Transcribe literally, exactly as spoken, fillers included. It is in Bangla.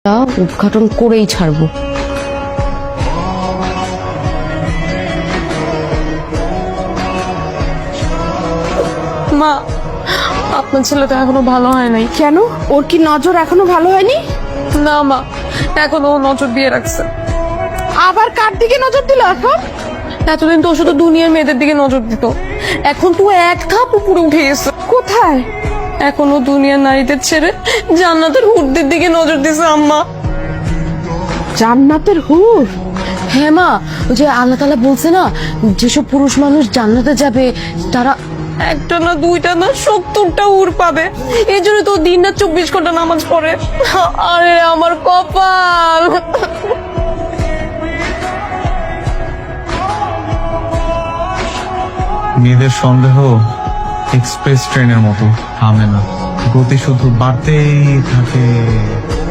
উদ্ঘাটন করেই ছাড়বো। মা, আপনার ছেলে তো এখনো ভালো হয় নাই। কেন? ওর কি নজর এখনো ভালো হয়নি? না মা, এখনো ও নজর দিয়ে রাখছে। আবার কার দিকে নজর দিল এখন? এতদিন তো ও শুধু দুনিয়ার মেয়েদের দিকে নজর দিত, এখন তো এক ধাপ উপরে উঠে গেছে। কোথায়? এখন ও দুনিয়ার নারীদের ছেড়ে জান্নাতের হুরদের দিকে নজর দিছে আম্মা। জান্নাতের হুর? হ্যাঁ মা, ওই যে আল্লাহ তাআলা বলছে না, যেসব পুরুষ মানুষ জান্নাতে যাবে তারা একটা না দুইটা না সত্তরটা হুর পাবে। এই জন্য তো দিন না চব্বিশ ঘন্টা নামাজ পড়ে। আরে আমার কপাল। মেয়েদের সন্দেহ এক্সপ্রেস ট্রেনের মতো থামে না, গতি শুধু বাড়তেই থাকে।